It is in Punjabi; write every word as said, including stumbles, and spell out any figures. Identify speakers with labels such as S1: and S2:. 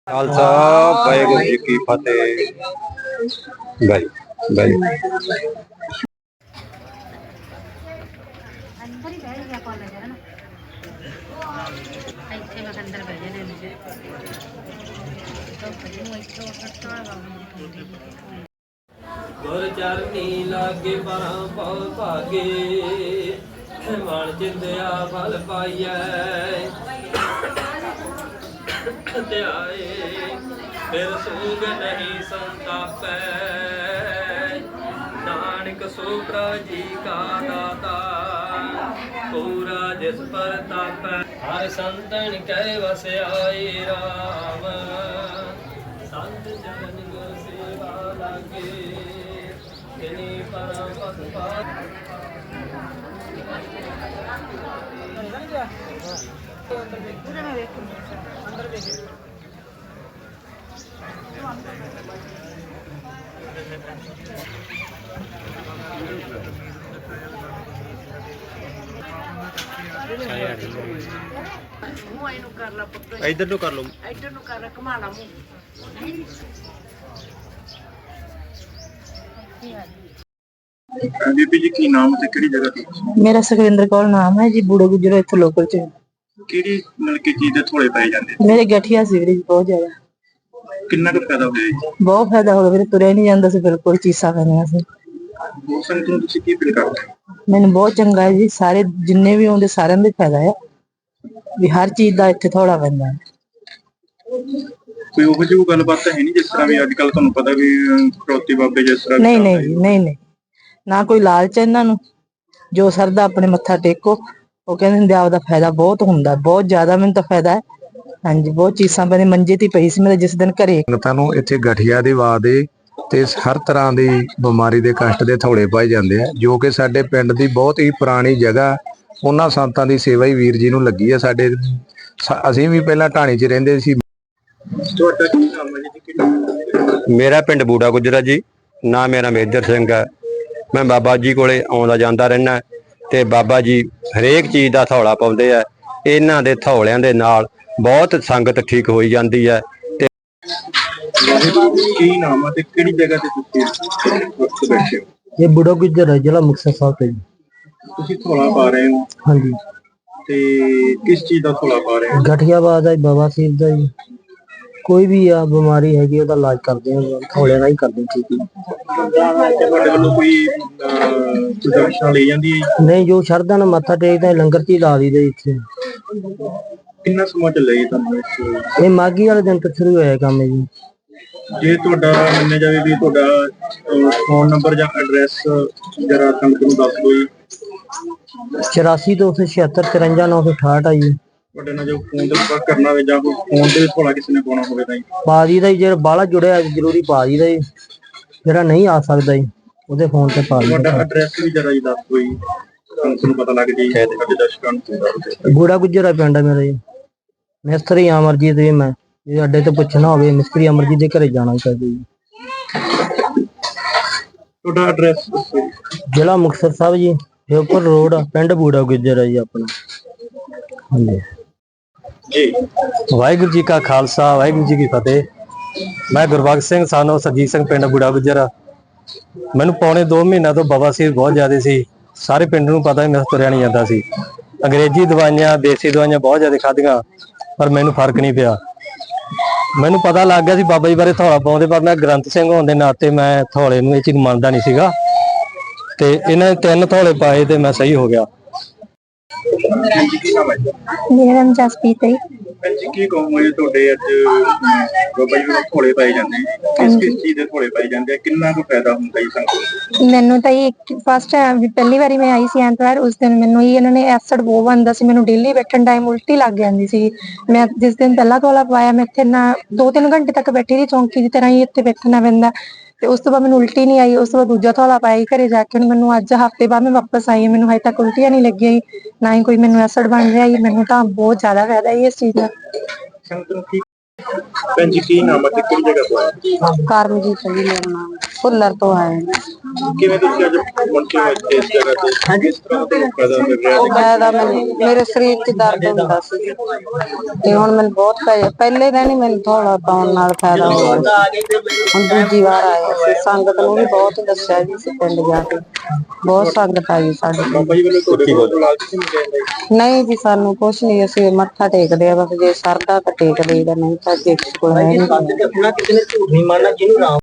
S1: ਖਾਲਸਾ ਵਾਹਿਗੁਰੂ ਜੀ ਕੀ ਫਤਿਹ। ਗਾਈ ਗਾਈ
S2: ਅੰਦਰ ਹੀ ਬਹਿ ਗਿਆ ਕਾਲਜ ਹੈ ਨਾ ਇੱਥੇ ਮੈਂ ਅੰਦਰ ਬਹਿ ਜਾਣੇ ਨੇ
S3: ਗੁਰ ਚਰਨੀ ਲਾਗੇ ਪਰਾਂ ਪਉ ਭਾਗੇ ਮਨ ਚਿੰਦਿਆ ਫਲ ਪਾਈਐ ਧਿਆਏ ਫਿਰ ਸੂਗ ਨਹੀਂ ਸੰਤਾਪੈ ਨਾਨਕ ਸੋਪਰਾ ਜੀ ਕਾ ਦਾਤਾ ਪੂਰਾ ਜਿਸ ਪਰ ਤਾਪੈ ਹਰ ਸੰਤਨ ਕਹਿ ਵਸਿਆਏ ਰਾਮ ਸੰਤ ਜਨ ਗੁਰ ਸੇਵਾ ਲਾਗੇ ਤਿਨੀ ਪਰਮ ਪਦ ਪਾਤ ਅੰਦਰ ਦੇਖ
S2: ਮੂੰਹ ਇਹਨੂੰ ਕਰ ਲਾ ਪੁੱਤ
S1: ਇਧਰ ਨੂੰ ਕਰ ਲਓ।
S2: ਇੱਧਰ ਨੂੰ ਕਰ ਘੁਮਾ ਲਾ ਮੂੰਹ
S4: ਬੀਬੀ ਜੀ ਕੀ ਨਾਮ ਤੇ ਕਿਹੜੀ ਜਗ੍ਹਾ ਤੇ?
S5: ਮੇਰਾ ਸੁਖਵਿੰਦਰ ਕੌਰ ਨਾਮ ਹੈ ਜੀ। ਬੂੜੇ ਗੁਜਰੋ ਇੱਥੇ ਲੋਕਲ ਚ।
S4: ਕਿਹੜੀ ਨਲਕੀ ਚੀਜ਼ ਦੇ ਥੋੜੇ ਪੈ ਜਾਂਦੇ?
S5: ਮੇਰੇ ਗਠੀਆ ਸੀਵਰੇਜ ਬਹੁਤ ਜ਼ਿਆਦਾ।
S4: ਕਿੰਨਾ ਕੁ ਫਾਇਦਾ ਹੋਇਆ ਜੀ?
S5: ਬਹੁਤ ਫਾਇਦਾ ਹੋ ਗਿਆ ਵੀਰੇ, ਤੁਰਿਆ ਨਹੀਂ ਜਾਂਦਾ ਸੀ ਬਿਲਕੁਲ, ਚੀਸਾਂ ਪੈਂਦੀਆਂ ਸੀ।
S4: ਮੌਸਮ ਤੋਂ ਤੁਸੀਂ ਕੀ ਫੀਲ ਕਰਦੇ?
S5: ਮੈਨੂੰ ਬਹੁਤ ਚੰਗਾ ਹੈ ਜੀ, ਸਾਰੇ ਜਿੰਨੇ ਵੀ ਆਉਂਦੇ ਸਾਰਿਆਂ ਦਾ ਫਾਇਦਾ ਹੈ ਵੀ ਹਰ ਚੀਜ਼ ਦਾ ਇੱਥੇ ਥੋੜਾ ਪੈਂਦਾ ਹੈ।
S4: ਕੋਈ ਉਹੋ ਜਿਹੀ ਗੱਲਬਾਤ ਹੈ ਨਹੀਂ ਜਿਸ ਤਰ੍ਹਾਂ ਵੀ ਅੱਜ ਕੱਲ ਤੁਹਾਨੂੰ ਪਤਾ ਵੀ ਫਰੋਤੀ ਬਾਬੇ ਜਿਸ ਤਰ੍ਹਾਂ
S5: ਨਹੀਂ ਨਹੀਂ ਜੀ, ਨਹੀਂ ਨਹੀਂ, ਨਾ ਕੋਈ ਲਾਲਚ ਇਹਨਾਂ ਨੂੰ, ਜੋ ਸਰਦਾ ਆਪਣੇ ਮੱਥਾ ਟੇਕੋ। ਉਹ ਕਹਿੰਦੇ ਹੁੰਦੇ ਆਪਦਾ ਫਾਇਦਾ ਬਹੁਤ ਹੁੰਦਾ, ਬਹੁਤ ਜ਼ਿਆਦਾ ਮੈਨੂੰ ਤਾਂ ਫਾਇਦਾ ਹੈ। ਹਾਂਜੀ, ਬਹੁਤ ਚੀਸਾਂ ਪੈਂਦੀਆਂ, ਮੰਜੇ ਤੇ ਪਈ ਸੀ ਮੇਰੇ ਜਿਸ ਦਿਨ ਘਰੇ।
S1: ਸੰਗਤਾਂ ਨੂੰ ਇੱਥੇ ਗਠੀਆ ਦੀ ਵਾਰ ਦੇ ਤੇ ਹਰ ਤਰ੍ਹਾਂ ਦੀ ਬਿਮਾਰੀ ਦੇ ਕਸ਼ਟ ਦੇ ਥੋੜੇ ਪਾਏ ਜਾਂਦੇ ਆ, ਜੋ ਕਿ ਸਾਡੇ ਪਿੰਡ ਦੀ ਬਹੁਤ ਹੀ ਪੁਰਾਣੀ ਜਗ੍ਹਾ। ਉਹਨਾਂ ਸੰਤਾਂ ਦੀ ਸੇਵਾ ਹੀ ਵੀਰ ਜੀ ਨੂੰ ਲੱਗੀ ਆ। ਸਾਡੇ ਅਸੀਂ ਵੀ ਪਹਿਲਾਂ ਢਾਣੀ 'ਚ ਰਹਿੰਦੇ ਸੀ।
S4: ਤੁਹਾਡਾ ਕੀ ਨਾਮ ਹੈ ਜੀ? ਕਿਹੜਾ?
S1: ਮੇਰਾ ਪਿੰਡ ਬੂੜਾ ਗੁਜਰਾ ਜੀ, ਨਾ ਮੇਰਾ ਮੇਜਰ ਸਿੰਘ ਹੈ। ਮੈਂ ਬਾਬਾ ਜੀ ਕੋਲੇ ਆਉਂਦਾ ਜਾਂਦਾ ਰਹਿਣਾ ਤੇ ਬਾਬਾ ਜੀ ਹਰੇਕ ਚੀਜ਼ ਦਾ ਥੌਲਾ ਪਾਉਂਦੇ ਆ। ਇਹਨਾਂ ਦੇ ਥੌਲਿਆਂ ਦੇ ਨਾਲ ਬਹੁਤ ਸੰਗਤ ਠੀਕ ਹੋਈ ਜਾਂਦੀ ਹੈ। ਤੇ
S4: ਕੀ ਨਾਮ ਹੈ ਤੇ ਕਿਹੜੀ ਜਗ੍ਹਾ ਤੇ ਤੁਸੀਂ ਬੈਠੇ ਹੋ?
S5: ਇਹ ਬੂੜਾ ਗੁਜਰ ਹੈ, ਜ਼ਿਲ੍ਹਾ ਮੁਕਤਸਰ ਸਾਹਿਬ ਤੇ।
S4: ਤੁਸੀਂ ਥੋੜਾ ਪਾ ਰਹੇ ਹੋ?
S5: ਹਾਂਜੀ।
S4: ਤੇ ਕਿਸ ਚੀਜ਼ ਦਾ ਥੋੜਾ ਪਾ ਰਹੇ ਹੋ?
S5: ਗਠੀਆਬਾਦ ਦਾ, ਬਵਾਸੀਰ ਦਾ ਜੀ, ਕੋਈ ਵੀ ਆ ਬਿਮਾਰੀ ਹੈਗੀ ਉਹਦਾ ਇਲਾਜ ਕਰਦੇ ਆ, ਥੋੜੇ ਨਾਲ ਹੀ ਕਰਦੇ ਠੀਕ ਹੀ।
S4: ਤੁਹਾਡੇ ਵੱਲੋਂ ਕੋਈ ਦਰਸ਼ਨਾਂ ਲਈ ਜਾਂਦੀ ਹੈ?
S5: ਨਹੀਂ, ਜੋ ਸ਼ਰਧਾ ਨਾਲ ਮੱਥਾ ਟੇਕਦਾ ਲੰਗਰ ਚ ਹੀ ਲਾ ਦਈਦਾ ਇੱਥੇ।
S4: ਕਿੰਨਾ ਸਮਾਂ ਚੱਲਿਆ ਜੀ ਤੁਹਾਨੂੰ?
S5: ਇਹ ਮਾਘੀ ਵਾਲੇ ਦਿਨ ਤੋਂ ਸ਼ੁਰੂ ਹੋਇਆ ਕੰਮ ਹੈ ਜੀ।
S4: ਜੇ ਤੁਹਾਡਾ ਮੰਨਿਆ ਜਾਵੇ ਵੀ ਤੁਹਾਡਾ ਫੋਨ ਨੰਬਰ ਜਾਂ ਐਡਰੈਸ ਜਰਾ ਸੰਗਤ ਨੂੰ ਦੱਸ ਦਿਓ ਜੀ।
S5: ਚੁਰਾਸੀ ਦੋ ਸੌ ਛਿਅੱਤਰ ਚੁਰੰਜਾ ਨੌ ਸੌ ਅਠਾਹਠ ਆ ਜੀ।
S4: ਤੁਹਾਡੇ ਨਾਲ ਜੋ ਫੋਨ ਤੇ ਸੰਪਰਕ ਕਰਨਾ ਹੋਵੇ ਜਾਂ ਕੋਈ ਫੋਨ ਤੇ ਥੋੜਾ ਕਿਸੇ ਨੇ ਪਾਉਣਾ ਹੋਵੇ ਤਾਂ ਜੀ
S5: ਪਾ ਦਈਦਾ ਜੀ। ਜਿਹੜਾ ਬਾਹਲਾ ਜੁੜਿਆ ਜ਼ਰੂਰੀ ਪਾ ਦਈਦਾ ਜੀ, ਜਿਹੜਾ ਨਹੀਂ ਆ ਸਕਦਾ ਜੀ ਉਹਦੇ ਫੋਨ ਤੇ ਪਾ ਦਈਦਾ।
S4: ਤੁਹਾਡਾ ਐਡਰੈਸ ਵੀ ਜਰਾ ਜੀ ਦੱਸ ਦਿਓ ਜੀ, ਤੁਹਾਨੂੰ ਪਤਾ ਲੱਗ ਜਾਏ ਸਾਡੇ ਦਰਸ਼ਕਾਂ ਨੂੰ।
S5: ਬੂੜਾ ਗੁਜਰਾ ਪਿੰਡ ਹੈ ਮੇਰਾ ਜੀ। ਮਿਸਤਰੀ ਅਮਰਜੀਤ ਜੀ, ਮੈਂ ਜੇ ਅੱਡੇ ਤੇ ਪੁੱਛਣਾ ਹੋਵੇ ਮਿਸਤਰੀ ਅਮਰਜੀਤ ਦੇ ਘਰੇ ਜਾਣਾ ਚਾਹੀਦਾ ਜੀ।
S4: ਤੁਹਾਡਾ ਐਡਰੈਸ ਦੱਸੋ ਜੀ।
S5: ਜ਼ਿਲ੍ਹਾ ਮੁਕਤਸਰ ਸਾਹਿਬ ਜੀ, ਫਿਰੋਜ਼ਪੁਰ ਰੋਡ, ਪਿੰਡ ਬੂੜਾ ਗੁਜਰਾ ਜੀ ਆਪਣਾ। ਹਾਂਜੀ
S4: ਜੀ।
S6: ਵਾਹਿਗੁਰੂ ਜੀ ਕਾ ਖਾਲਸਾ, ਵਾਹਿਗੁਰੂ ਜੀ ਕੀ ਫਤਿਹ। ਮੈਂ ਗੁਰਬਖਸ਼ ਸਿੰਘ ਸਾਨੋ ਸਰਜੀਤ ਸਿੰਘ, ਪਿੰਡ ਬੂੜਾ ਗੁਜਰਾ। ਮੈਨੂੰ ਪੌਣੇ ਦੋ ਮਹੀਨਿਆਂ ਤੋਂ ਬਵਾਸੀਰ ਬਹੁਤ ਜ਼ਿਆਦਾ ਸੀ। ਸਾਰੇ ਪਿੰਡ ਨੂੰ ਪਤਾ ਮੈਂ ਤੁਰਿਆ ਨਹੀਂ ਜਾਂਦਾ ਸੀ। ਅੰਗਰੇਜ਼ੀ ਦਵਾਈਆਂ, ਦੇਸੀ ਦਵਾਈਆਂ ਬਹੁਤ ਜ਼ਿਆਦਾ ਖਾਧੀਆਂ, ਪਰ ਮੈਨੂੰ ਫਰਕ ਨਹੀਂ ਪਿਆ। ਮੈਨੂੰ ਪਤਾ ਲੱਗ ਗਿਆ ਸੀ ਬਾਬਾ ਜੀ ਬਾਰੇ ਥੌਲਾ ਪਾਉਂਦੇ, ਪਰ ਮੈਂ ਗ੍ਰੰਥ ਸਿੰਘ ਹੋਣ ਦੇ ਨਾਤੇ ਮੈਂ ਥੌਲੇ ਨੂੰ ਇਹ ਚੀਜ਼ ਮੰਨਦਾ ਨਹੀਂ ਸੀਗਾ। ਤੇ ਇਹਨਾਂ ਨੇ ਤਿੰਨ ਥੌਲੇ ਪਾਏ ਤੇ ਮੈਂ ਸਹੀ ਹੋ ਗਿਆ।
S7: ਮੇਰਾ ਨਾਮ ਜਸਪੀਤ ਹੈ।
S4: ਜੀ ਕੀ ਕਹੋਗੇ ਤੁਹਾਡੇ ਅੱਜ ਬਾਬਾ ਜੀ ਨੂੰ ਥੋੜੇ ਪਾਏ ਜਾਂਦੇ, ਕਿਸ ਕਿਸ ਚੀਜ਼ ਦੇ ਥੋੜੇ ਪਾਏ ਜਾਂਦੇ, ਕਿੰਨਾ ਕੁ ਫਾਇਦਾ ਹੁੰਦਾ ਜੀ ਸੰਗਤ ਨੂੰ?
S7: ਮੈਨੂੰ ਤਾਂ ਇਹ ਫਸਟ ਟਾਈਮ, ਪਹਿਲੀ ਵਾਰੀ ਮੈਂ ਆਈ ਸੀ ਐਤਵਾਰ, ਉਸ ਦਿਨ ਮੈਨੂੰ ਹੀ ਇਹਨਾਂ ਨੇ ਐਸਿਡ ਬਹੁਤ ਬਣਦਾ ਸੀ। ਮੈਨੂੰ ਡੇਲੀ ਬੈਠਣ ਟਾਈਮ ਉਲਟੀ ਲੱਗ ਜਾਂਦੀ ਸੀ। ਮੈਂ ਜਿਸ ਦਿਨ ਪਹਿਲਾ ਥੋਲਾ ਪਾਇਆ, ਮੈਂ ਇੱਥੇ ਨਾ ਦੋ ਤਿੰਨ ਘੰਟੇ ਤੱਕ ਬੈਠੀ ਰਹੀ, ਚੌਂਕੀ ਦੀ ਤਰ੍ਹਾਂ ਹੀ ਇੱਥੇ ਬੈਠਣਾ ਪੈਂਦਾ। ਤੇ ਉਸ ਤੋਂ ਬਾਅਦ ਮੈਨੂੰ ਉਲਟੀ ਨਹੀਂ ਆਈ। ਉਸ ਤੋਂ ਬਾਅਦ ਦੂਜਾ ਥੋਲਾ ਪਾਇਆ ਘਰੇ ਜਾ ਕੇ। ਮੈਨੂੰ ਅੱਜ ਹਫ਼ਤੇ ਬਾਅਦ ਮੈਂ ਵਾਪਸ ਆਈ, ਮੈਨੂੰ ਹਜੇ ਤੱਕ ਉਲਟੀਆਂ ਨਹੀਂ ਲੱਗੀਆਂ, ਨਾ ਹੀ ਕੋਈ ਮੈਨੂੰ ਐਸਿਡ ਬਣ ਰਿਹਾ। ਮੈਨੂੰ ਤਾਂ ਬਹੁਤ ਜ਼ਿਆਦਾ ਫਾਇਦਾ ਹੈ ਇਸ ਚੀਜ਼ ਦਾ।
S4: ਸੰਗਤ ਨੂੰ ਕੀ ਭੈਣ ਜੀ ਕੀ ਨਾਮ ਹੈ ਤੇ ਕਿਹੜੀ ਜਗ੍ਹਾ ਤੋਂ ਆਏ?
S5: ਕਰਮਜੀਤ ਜੀ ਮੇਰਾ ਨਾਮ ਫੁੱਲਰ ਤੋਂ ਆਏ
S4: ਕਿਵੇਂ ਤੁਸੀਂ ਅੱਜ ਪਹੁੰਚੇ ਹੋ ਇੱਥੇ ਇਸ ਜਗ੍ਹਾ ਤੇ ਕਿਸ ਤਰ੍ਹਾਂ ਦਾ ਫਾਇਦਾ ਮਿਲ ਰਿਹਾ ਹੈ?
S5: ਫਾਇਦਾ ਮੈਨੂੰ ਮੇਰੇ ਸਰੀਰ 'ਚ ਦਰਦ ਹੁੰਦਾ ਸੀ ਤੇ ਹੁਣ ਮੈਨੂੰ ਬਹੁਤ ਫਾਇਦਾ ਪਹਿਲੇ ਦਿਨ ਹੀ ਮੈਨੂੰ ਥੋੜਾ ਪਾਉਣ ਨਾਲ ਫਾਇਦਾ ਹੋ ਗਿਆ ਹੁਣ ਦੂਜੀ ਵਾਰ ਆਏ ਅਸੀਂ ਸੰਗਤ ਨੂੰ ਵੀ ਬਹੁਤ ਦੱਸਿਆ ਜੀ ਅਸੀਂ ਪਿੰਡ ਜਾ ਕੇ ਬਹੁਤ ਸੰਗਤ ਆਈ ਸਾਡੇ ਕੋਲ।
S4: ਬਾਬਾ ਜੀ ਵੱਲੋਂ ਤੁਹਾਡੇ ਕੋਲ ਲਾਲਚ ਨਹੀਂ ਦੇਣ
S5: ਨਹੀਂ ਜੀ ਸਾਨੂੰ ਕੁਛ ਨਹੀਂ ਅਸੀਂ ਮੱਥਾ ਟੇਕਦੇ ਆ ਬਸ ਜੇ ਸਰਦਾ ਤਾਂ ਟੇਕ ਲਈਦਾ ਨਹੀਂ ਤਾਂ ਕਿਸੇ ਕੋਲ ਹੈ ਨਹੀਂ।